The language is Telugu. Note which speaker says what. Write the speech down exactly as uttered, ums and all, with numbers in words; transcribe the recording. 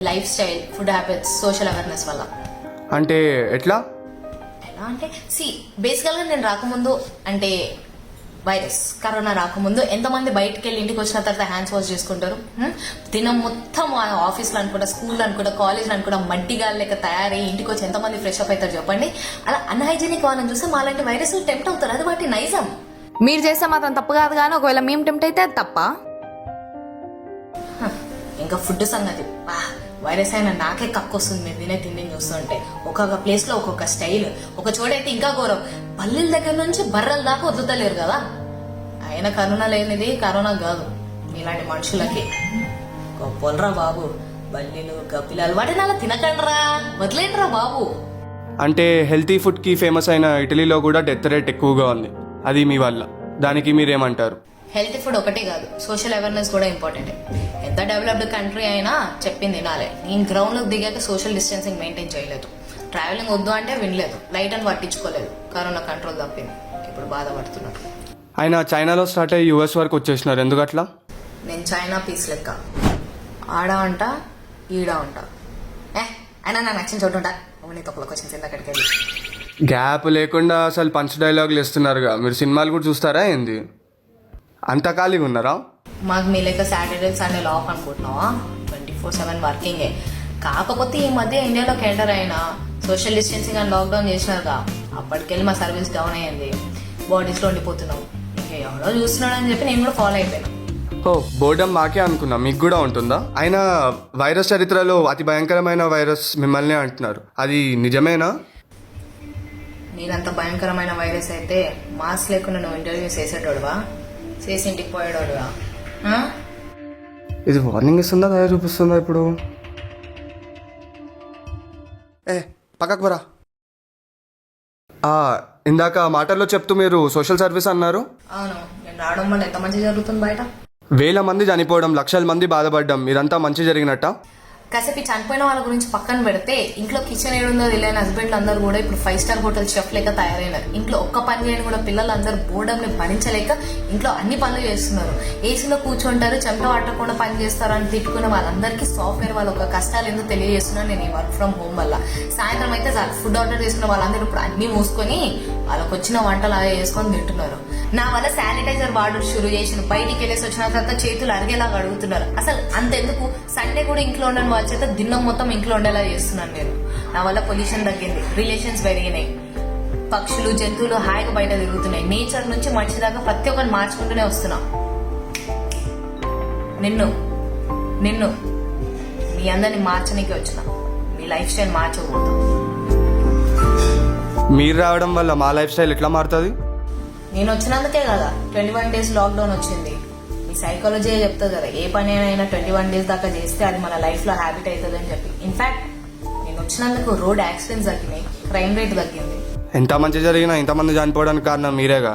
Speaker 1: Life lifestyle, food habits, social awareness వల్ల.
Speaker 2: అంటే ఎట్లా
Speaker 1: ఎలా అంటే సి బేసికల్గా నేను రాకముందు అంటే వైరస్ కరోనా రాకముందు ఎంతమంది బయటకు వెళ్ళి ఇంటికి వచ్చిన తర్వాత హ్యాండ్స్ వాష్ చేసుకుంటారు. హ్మ్? దినం మొత్తం ఆఫీస్లో అనుకుంటా, స్కూల్లో అనుకుంటా, కాలేజ్లో అనుకుంటా మట్టిగా లేక తయారై ఇంటికి వచ్చి ఎంతమంది ఫ్రెష్ అప్ అవుతారు చెప్పండి. అలా అన్హైజీనిక్ వాళ్ళని చూస్తే మాలాంటి వైరస్ టెంప్ట్ అవుతారు. అది వాటి నైజం.
Speaker 3: మీరు చేస్తే మాత్రం తప్పు కాదు, కానీ ఒకవేళ మేము టెంప్ట్ అయితే అది తప్ప.
Speaker 1: ఇంకా ఫుడ్ సంగతి వైరస్ అయినా నాకే కక్కొస్తుంది మీరు తినే తిండి చూస్తుంటే. ఒక్కొక్క ప్లేస్ లో ఒక్కొక్క స్టైల్, ఒక చోటైతే ఇంకా ఘోరం, పల్లెల దగ్గర నుంచి బర్రెల దాకా వదులుతలేరు కదా. అయినా కరోనా లేనిది కరోనా కాదు, ఇలాంటి మనుషులకి గొప్పలరా బాబు. బల్లీలు గప్పిలాలు వాటిని అలా తినకండ్రా, వదిలేండ్రా బాబు.
Speaker 2: అంటే హెల్తీ ఫుడ్కి ఫేమస్ అయిన ఇటలీలో కూడా డెత్ రేట్ ఎక్కువగా ఉంది, అది మీ వల్ల. దానికి మీరేమంటారు?
Speaker 1: హెల్తీ ఫుడ్ ఒకటే కాదు, సోషల్ అవేర్నెస్ కూడా ఇంపార్టెంట్. ఎంత డెవలప్డ్ కంట్రీ అయినా చెప్పింది వినాలి. నేను గ్రౌండ్లోకి దిగాక సోషల్ డిస్టెన్సింగ్ మెయింటైన్ చేయలేదు, ట్రావెలింగ్ వద్దు అంటే వినలేదు, లైట్ అని పట్టించుకోలేదు. కరోనా కంట్రోల్ తప్పింది, ఇప్పుడు బాధపడుతున్నారు.
Speaker 2: ఆయన చైనాలో స్టార్ట్ అయ్యి యూఎస్ వరకు వచ్చేసినారు, ఎందుకట్లా?
Speaker 1: నేను చైనా పీస్ లెక్క ఆడ ఉంటా ఈడ ఉంటా. ఏ అయినా నాకు నచ్చిన చోటు ఉంటా. నీ తప్పులకు వచ్చింది అక్కడికి వెళ్ళి.
Speaker 2: గ్యాప్ లేకుండా అసలు పంచ్ డైలాగులు ఇస్తున్నారుగా. మీరు సినిమాలు కూడా చూస్తారా ఏంది? అంత ఖాళీగా ఉన్నారా?
Speaker 1: మాకు మీ లెక్క సాటర్డే సండే ఆఫ్ అనుకుంటున్నావా? ట్వంటీ ఫోర్ సెవెన్ వర్కింగే. కాకపోతే ఈ మధ్య ఇండియాలోకి ఎంటర్ అయినా సోషల్ డిస్టెన్సింగ్ అని లాక్డౌన్ చేసినారుగా, అప్పటికెళ్ళి మా సర్వీస్ డౌన్ అయ్యింది. బాడీస్లో ఉండిపోతున్నాం. ఇంకా ఎవరో చూస్తున్నాడు అని చెప్పి నేను కూడా ఫాలో అయిపోయాను.
Speaker 2: ఓ బోర్డం మాకే అనుకున్నా, మీకు కూడా ఉంటుందా? ఆయన వైరస్ చరిత్రలో అతి భయంకరమైన వైరస్ మిమ్మల్ని అంటున్నారు, అది నిజమేనా?
Speaker 1: నేనంత భయంకరమైన వైరస్ అయితే మాస్క్ లేకుండా నువ్వు ఇంటర్వ్యూస్ చేసేటోడువా, చేసి ఇంటికి పోయేటోడువా?
Speaker 2: ఇది వార్నింగ్ ఇస్తుందా దయ చూపిస్తుందా? ఇప్పుడు ఏ పక్కకు బరా. ఇందాక మాటల్లో చెప్తూ మీరు సోషల్ సర్వీస్ అన్నారు.
Speaker 1: అవును, నేను రావడం వల్ల ఎంత మంచి జరుగుతుంది బయట.
Speaker 2: వేల మంది చనిపోవడం, లక్షల మంది బాధపడడం, మీరంతా మంచి జరిగినట్ట?
Speaker 1: కాసేపు చనిపోయిన వాళ్ళ గురించి పక్కన పెడితే ఇంట్లో కిచెన్ ఏడుందో తెలియని హస్బెండ్లు అందరూ కూడా ఇప్పుడు ఫైవ్ స్టార్ హోటల్ షెఫ్ లేక తయారైనారు. ఇంట్లో ఒక్క పని చేయని కూడా పిల్లలందరూ బోర్డంని భరించలేక ఇంట్లో అన్ని పనులు చేస్తున్నారు. ఏసీలో కూర్చుంటారు, చెమట పట్టకుండా పని చేస్తారు అని తిట్టుకున్న వాళ్ళందరికీ సాఫ్ట్వేర్ వాళ్ళ ఒక కష్టాలు ఎందుకు తెలియజేస్తున్నాను నేను ఈ వర్క్ ఫ్రమ్ హోమ్ వల్ల. సాయంత్రం అయితే చాలు ఫుడ్ ఆర్డర్ చేసుకున్న వాళ్ళందరూ ఇప్పుడు అన్ని మూసుకొని వాళ్ళకి వచ్చిన వంటలు అలా చేసుకొని తింటున్నారు. నా వల్ల శానిటైజర్ వాడడం షురు చేసిన, బయటికి వెళ్ళేసి వచ్చిన తర్వాత చేతులు అరిగేలాగా అడుగుతున్నారు. అసలు అంతెందుకు సండే కూడా ఇంట్లో ఉండని వాళ్ళ చేత దినం మొత్తం ఇంట్లో ఉండేలా చేస్తున్నాను నేను. నా వల్ల పొల్యూషన్ తగ్గింది, రిలేషన్స్ పెరిగినాయి, పక్షులు జంతువులు హాయిగా బయట తిరుగుతున్నాయి. నేచర్ నుంచి మనిషి దాకా ప్రతి ఒక్కరిని మార్చుకుంటూనే వస్తున్నా. నిన్ను నిన్ను మీ అందరిని మార్చనీకి వచ్చిన, మీ లైఫ్ స్టైల్ మార్చకూడదు.
Speaker 2: మీరు రావడం వల్ల మా లైఫ్ స్టైల్ ఎట్లా మారుతుంది?
Speaker 1: నేను వచ్చినందుకే కదా ట్వంటీ వన్ డేస్ లాక్డౌన్ వచ్చింది. ఈ సైకాలజీ చెప్తుంది కదా, ఏ పని అయినా ట్వంటీ వన్ డేస్ దాకా చేస్తే అది మన లైఫ్ లో హ్యాబిట్ అవుతుంది అని చెప్పి. ఇన్ఫాక్ట్ నేను వచ్చినందుకు రోడ్ యాక్సిడెంట్స్ తగ్గినాయి, క్రైమ్ రేట్ తగ్గింది.
Speaker 2: ఎంత మంచి జరిగినా ఇంతమంది చనిపోవడానికి కారణం మీరేగా.